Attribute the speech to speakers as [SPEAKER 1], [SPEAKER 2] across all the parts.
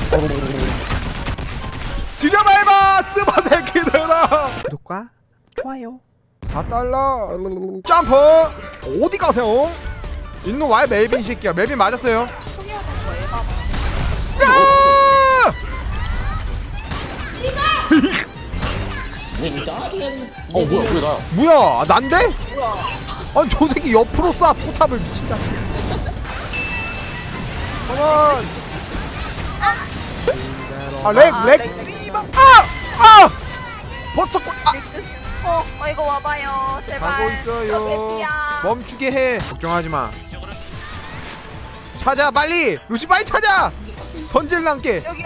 [SPEAKER 1] 지려밟아 스마 새끼들아. 구독과 좋아요 4달러. 점프. 어디 가세요? 있는 와이 멜빈 새끼야. 멜빈 맞았어요.
[SPEAKER 2] 소개하는 거예요.
[SPEAKER 1] 야!
[SPEAKER 3] 뭐야 그게 나야.
[SPEAKER 1] 뭐야 난데?
[SPEAKER 2] 뭐야?
[SPEAKER 1] 아니 저 새끼 옆으로 쏴 포탑을 미친다. 컴온. 렉 씨바. 버스터골.
[SPEAKER 2] 이거 와봐요. 제발.
[SPEAKER 1] 가고 있어요.
[SPEAKER 2] 개피야.
[SPEAKER 1] 멈추게 해. 걱정하지 마. 찾아 빨리. 루시 빨리 찾아. 던질랑께.
[SPEAKER 2] 여기.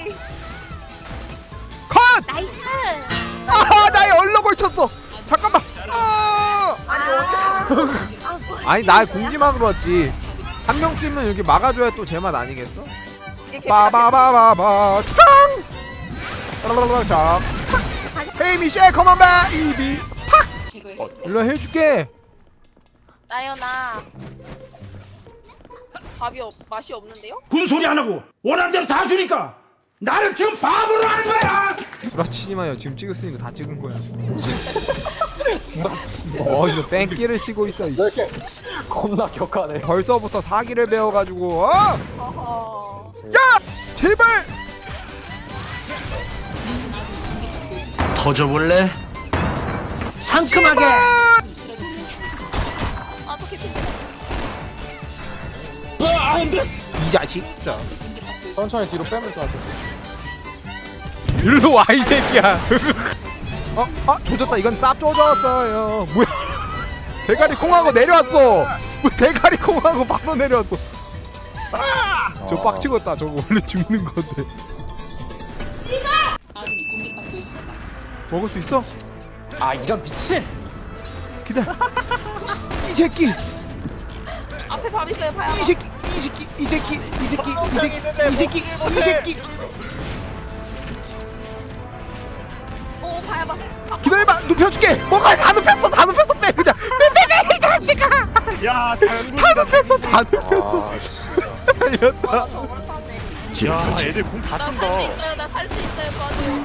[SPEAKER 1] 컷.
[SPEAKER 2] 나이스.
[SPEAKER 1] 나의 얼렁을 쳤어. 잠깐만. 아니 나 공지막으로 왔지. 한 명쯤은 여기 막아줘야 또 제맛 아니겠어? 빠바바바바 짱. 자. 헤이 미셸 컴온바 이비 팍. 일로 해줄게.
[SPEAKER 2] 나연아. 맛이 없는데요?
[SPEAKER 4] 군소리 안 하고 원하는 대로 다 주니까 나를 지금 바보로 하는 거야.
[SPEAKER 1] 구라치지 마요. 지금 찍었으니까 다 찍은 거야. 어디서 뺑기를 치고 있어.
[SPEAKER 3] 왜 이렇게 겁나 격하네.
[SPEAKER 1] 벌써부터 사기를 배워가지고
[SPEAKER 2] 허허.
[SPEAKER 1] 야! 제발!
[SPEAKER 4] 터져볼래? 상큼하게.
[SPEAKER 2] 저 개피.
[SPEAKER 3] 안돼.
[SPEAKER 1] 이 자식. 자.
[SPEAKER 3] 천천히 뒤로 빼면 것 같아.
[SPEAKER 1] 일로 와 이 새끼야. 조졌다. 이건 쌉 조졌어요. 뭐야? 대가리 콩하고 내려왔어. 뭐 대가리 콩하고 바로 내려왔어. 저 빡치겠다. 저거 원래 죽는 건데. 먹을 수 있어?
[SPEAKER 3] 이런 미친.
[SPEAKER 1] 기다려. 이 새끼.
[SPEAKER 2] 앞에 밥 있어요. 봐요.
[SPEAKER 1] 이 새끼.
[SPEAKER 2] 오, 봐봐.
[SPEAKER 1] 기다려봐. 눕혀줄게. 뭐가 다 눕혔어. 빼 그냥. 빼 이 자식아.
[SPEAKER 4] 야,
[SPEAKER 1] 다 눕혔어. 살렸다.
[SPEAKER 2] 저거로 사네.
[SPEAKER 4] 야, 애들 공다
[SPEAKER 2] 나 살 수 있어요. 도와줘.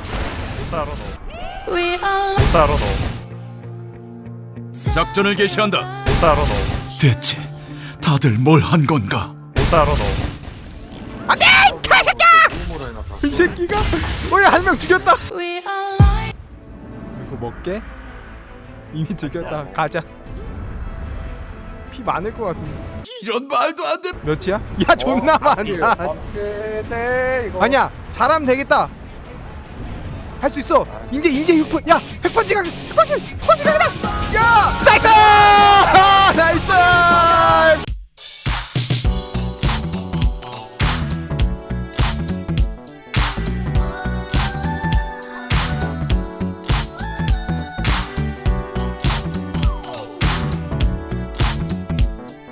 [SPEAKER 4] 따로
[SPEAKER 5] 작전을 개시한다.
[SPEAKER 4] 대체 다들 뭘 한 건가?
[SPEAKER 1] 안돼! 개새끼야! 이 새끼가 한 명 죽였다. 이거 먹게? 이미 죽였다. 가자. 피 많을 것 같은데.
[SPEAKER 5] 이런 말도 안 돼.
[SPEAKER 1] 몇이야? 야 존나 많다.
[SPEAKER 3] 네 이거.
[SPEAKER 1] 아니야 잘하면 되겠다. 할 수 있어. 이제 6분. 야 핵펀치 각이다. 야 나이스!